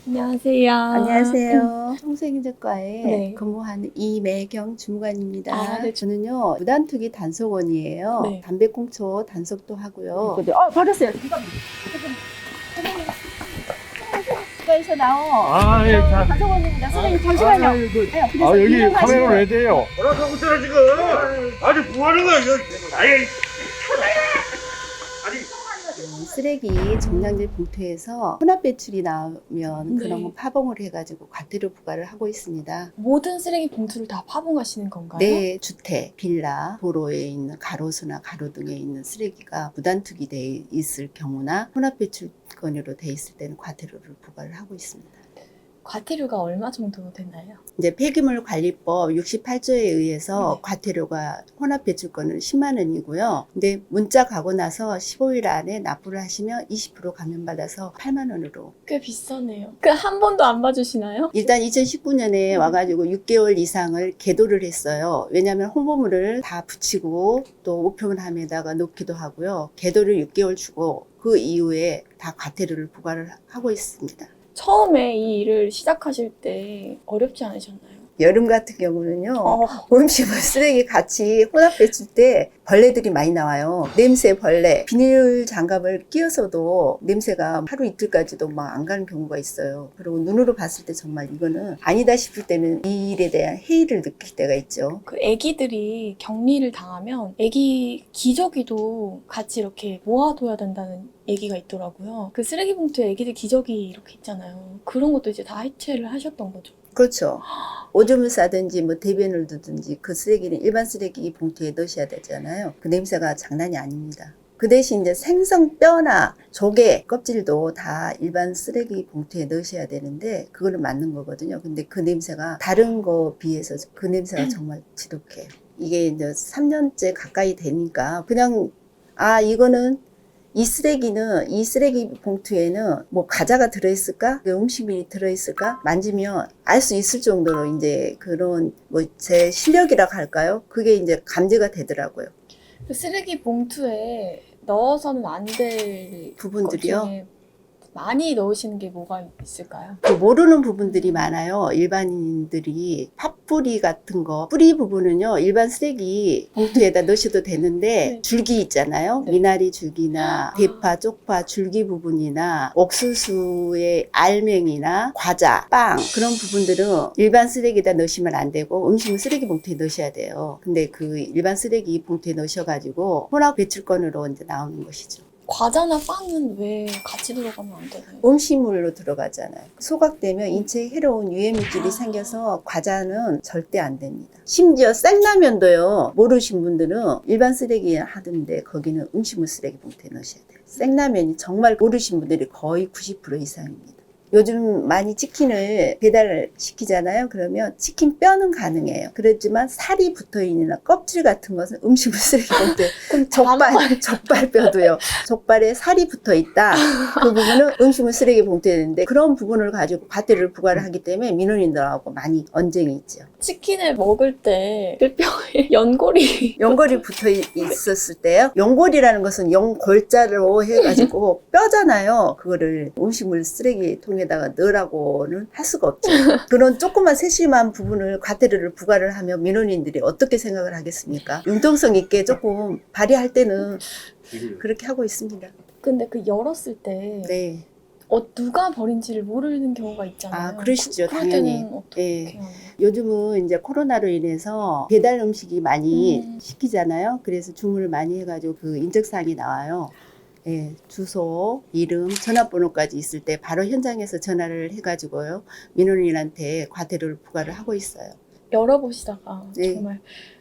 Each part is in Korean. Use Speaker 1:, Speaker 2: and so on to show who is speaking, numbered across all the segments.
Speaker 1: 안녕하세요.
Speaker 2: 안녕하세요. 청소행정과에
Speaker 1: 네.
Speaker 2: 근무하는 이매경 주무관입니다.
Speaker 1: 아, 네.
Speaker 2: 저는요, 무단투기 단속원이에요.
Speaker 1: 네.
Speaker 2: 담배꽁초 단속도 하고요.
Speaker 3: 받았어요.
Speaker 2: 국가에서 나온
Speaker 3: 아, 예, 자.
Speaker 2: 단속원입니다. 선생님,
Speaker 3: 아, 여기 카메라 왜 돼요?
Speaker 4: 뭐라고 하고 있잖아 지금. 아니 뭐 하는 거야 이거. 아예 아니
Speaker 2: 쓰레기 정량제 봉투에서 혼합 배출이 나오면
Speaker 1: 네.
Speaker 2: 그런 거 파봉을 해가지고 과태료 부과를 하고 있습니다.
Speaker 1: 모든 쓰레기 봉투를 다 파봉하시는 건가요?
Speaker 2: 내 주택, 빌라, 도로에 있는 가로수나 가로등에 있는 쓰레기가 무단투기 돼 있을 경우나 혼합배출건으로 돼 있을 때는 과태료를 부과를 하고 있습니다.
Speaker 1: 과태료가 얼마 정도 되나요?
Speaker 2: 이제 폐기물 관리법 68조에 의해서
Speaker 1: 네.
Speaker 2: 과태료가 혼합배출건은 10만 원이고요. 근데 문자 가고 나서 15일 안에 납부를 하시면 20% 감면받아서 8만 원으로.
Speaker 1: 꽤 비싸네요. 그 한 번도 안 봐주시나요?
Speaker 2: 일단 2019년에 와가지고 6개월 이상을 계도를 했어요. 왜냐하면 홍보물을 다 붙이고 또 우편함에다가 놓기도 하고요. 계도를 6개월 주고 그 이후에 다 과태료를 부과를 하고 있습니다.
Speaker 1: 처음에 이 일을 시작하실 때 어렵지 않으셨나요?
Speaker 2: 여름 같은 경우는요.
Speaker 1: 어.
Speaker 2: 음식물 쓰레기 같이 혼합 배출 때 벌레들이 많이 나와요. 냄새 벌레. 비닐 장갑을 끼워서도 냄새가 하루 이틀까지도 막 안 가는 경우가 있어요. 그리고 눈으로 봤을 때 정말 이거는 아니다 싶을 때는 이 일에 대한 회의를 느낄 때가 있죠.
Speaker 1: 그 애기들이 격리를 당하면 애기 기저귀도 같이 이렇게 모아둬야 된다는 얘기가 있더라고요. 그 쓰레기 봉투에 애기들 기저귀 이렇게 있잖아요. 그런 것도 이제 다 해체를 하셨던 거죠.
Speaker 2: 그렇죠. 오줌을 싸든지 뭐 대변을 두든지 그 쓰레기는 일반 쓰레기 봉투에 넣으셔야 되잖아요. 그 냄새가 장난이 아닙니다. 그 대신 이제 생선 뼈나 조개 껍질도 다 일반 쓰레기 봉투에 넣으셔야 되는데 그거는 맞는 거거든요. 근데 그 냄새가 다른 거 비해서 그 냄새가 정말 지독해요. 이게 이제 3년째 가까이 되니까 그냥 이거는 이 쓰레기 봉투에는 뭐 과자가 들어있을까? 음식물이 들어있을까? 만지면 알 수 있을 정도로 이제 그런 뭐 제 실력이라고 할까요? 그게 이제 감지가 되더라고요.
Speaker 1: 그 쓰레기 봉투에 넣어서는 안 될
Speaker 2: 부분들이요.
Speaker 1: 것 중에 많이 넣으시는 게 뭐가 있을까요?
Speaker 2: 그 모르는 부분들이 많아요. 일반인들이 팥뿌리 같은 거 뿌리 부분은요 일반 쓰레기 봉투에다 넣으셔도 되는데
Speaker 1: 네.
Speaker 2: 줄기 있잖아요.
Speaker 1: 네.
Speaker 2: 미나리 줄기나 대파, 쪽파 줄기 부분이나 옥수수의 알맹이나 과자, 빵 그런 부분들은 일반 쓰레기에다 넣으시면 안 되고 음식물 쓰레기 봉투에 넣으셔야 돼요. 근데 그 일반 쓰레기 봉투에 넣으셔가지고 혼합 배출건으로 이제 나오는 것이죠.
Speaker 1: 과자나 빵은 왜 같이 들어가면 안 되나요?
Speaker 2: 음식물로 들어가잖아요. 소각되면 인체에 해로운 유해물질이 생겨서 과자는 절대 안 됩니다. 심지어 생라면도요. 모르신 분들은 일반 쓰레기 하던데 거기는 음식물 쓰레기 봉투에 넣으셔야 돼요. 생라면이 정말 모르신 분들이 거의 90% 이상입니다. 요즘 많이 치킨을 배달을 시키잖아요. 그러면 치킨 뼈는 가능해요. 그렇지만 살이 붙어있는 껍질 같은 것은 음식물 쓰레기 봉투에 족발뼈도요. 족발에 살이 붙어있다. 그 부분은 음식물 쓰레기 봉투에 있는데 그런 부분을 가지고 과태료를 부과를 하기 때문에 민원인들하고 많이 언쟁이 있죠.
Speaker 1: 치킨을 먹을 때 그 뼈에 연골이
Speaker 2: 연골이 붙어 있었을 때요. 연골이라는 것은 연골자로 해가지고 뼈잖아요. 그거를 음식물 쓰레기통에다가 넣으라고는 할 수가 없죠. 그런 조그만 세심한 부분을 과태료를 부과를 하면 민원인들이 어떻게 생각을 하겠습니까? 융통성 있게 조금 발휘할 때는 그렇게 하고 있습니다.
Speaker 1: 근데 그 열었을 때
Speaker 2: 네.
Speaker 1: 누가 버린지를 모르는 경우가 있잖아요.
Speaker 2: 그러시죠.
Speaker 1: 그럴
Speaker 2: 당연히.
Speaker 1: 때는 어떻게
Speaker 2: 예.
Speaker 1: 해요?
Speaker 2: 요즘은 이제 코로나로 인해서 배달 음식이 많이
Speaker 1: 음.
Speaker 2: 시키잖아요. 그래서 주문을 많이 해가지고 그 인적사항이 나와요. 예, 주소, 이름, 전화번호까지 있을 때 바로 현장에서 전화를 해가지고요. 민원인한테 과태료를 부과를 하고 있어요.
Speaker 1: 열어보시다가
Speaker 2: 네.
Speaker 1: 정말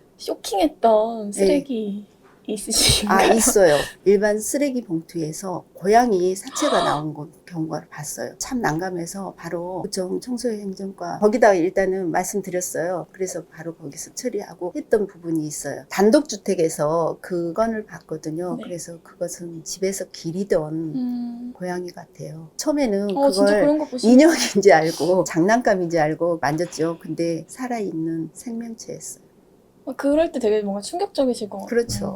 Speaker 1: 쇼킹했던 쓰레기 있으신가요?
Speaker 2: 있어요. 일반 쓰레기 봉투에서 고양이 사체가 나온 경우를 봤어요. 참 난감해서 바로 구청 청소행정과 거기다가 일단은 말씀드렸어요. 그래서 바로 거기서 처리하고 했던 부분이 있어요. 단독주택에서 그 건을 봤거든요.
Speaker 1: 네.
Speaker 2: 그래서 그것은 집에서 기르던 고양이 같아요. 처음에는
Speaker 1: 진짜
Speaker 2: 그걸
Speaker 1: 그런 거 보시면
Speaker 2: 인형인지 알고 장난감인지 알고 만졌죠. 근데 살아있는 생명체였어요.
Speaker 1: 그럴 때 되게 뭔가 충격적이실 것 같아요.
Speaker 2: 그렇죠.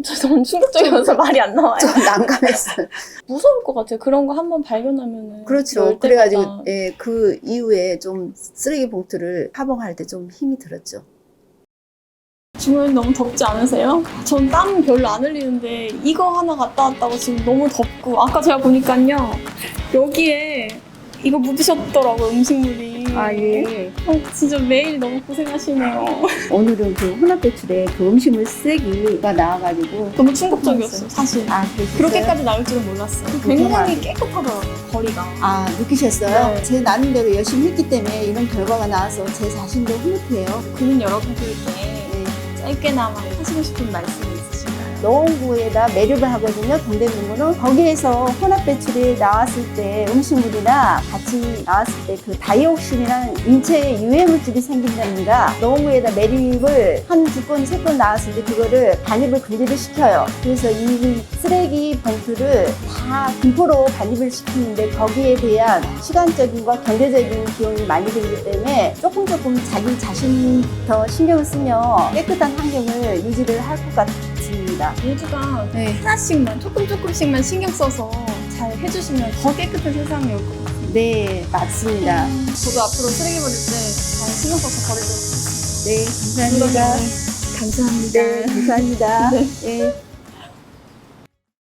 Speaker 1: 저 너무 충격적이어서 말이 안 나와요.
Speaker 2: 좀 난감했어요.
Speaker 1: 무서울 것 같아요. 그런 거 한번 발견하면은.
Speaker 2: 그렇죠.
Speaker 1: 열 때마다.
Speaker 2: 그래가지고 예, 그 이후에 좀 쓰레기 봉투를 파봉할 때 좀 힘이 들었죠.
Speaker 1: 주말 너무 덥지 않으세요? 전 땀 별로 안 흘리는데 이거 하나 갔다 왔다고 지금 너무 덥고 아까 제가 보니까요 여기에 이거 묻으셨더라고요 음식물이.
Speaker 2: 예.
Speaker 1: 진짜 매일 너무 고생하시네요.
Speaker 2: 오늘은 그 혼합배출에 그 음식물 쓰레기가 나와가지고
Speaker 1: 너무 충격적이었어요 사실.
Speaker 2: 그러셨어요?
Speaker 1: 그렇게까지 나올 줄은 몰랐어요. 굉장히 깨끗하더라고요 거리가.
Speaker 2: 느끼셨어요?
Speaker 1: 네.
Speaker 2: 제 나름대로 열심히 했기 때문에 이런 결과가 나와서 제 자신도 흐뭇해요.
Speaker 1: 국민 여러분들께
Speaker 2: 네.
Speaker 1: 짧게나마 하시고 싶은 말씀이 있으신가요?
Speaker 2: 노원구에다 매립을 하거든요. 동대문구는 거기에서 혼합배출이 나왔을 때 음식물이나 같이 나왔을 때 그 다이옥신이라는 인체에 유해물질이 생긴답니다. 노원구에다 매립을 한 2건, 3건 나왔을 때 그거를 반입을 금지를 시켜요. 그래서 이 쓰레기 봉투를 다 분포로 반입을 시키는데 거기에 대한 시간적인과 경제적인 비용이 많이 들기 때문에 조금 자기 자신부터 신경을 쓰면 깨끗한 환경을 유지를 할 것 같습니다.
Speaker 1: 모두가
Speaker 2: 네.
Speaker 1: 하나씩만 조금씩만 신경 써서 잘 해주시면 더 깨끗한 세상이 올 것 같아요.
Speaker 2: 네, 맞습니다.
Speaker 1: 저도 앞으로 쓰레기 버릴 때 잘 신경 써서 버리도록 하겠습니다.
Speaker 2: 네, 감사합니다.
Speaker 1: 감사합니다.
Speaker 2: 네, 감사합니다.
Speaker 1: 네.
Speaker 2: 네.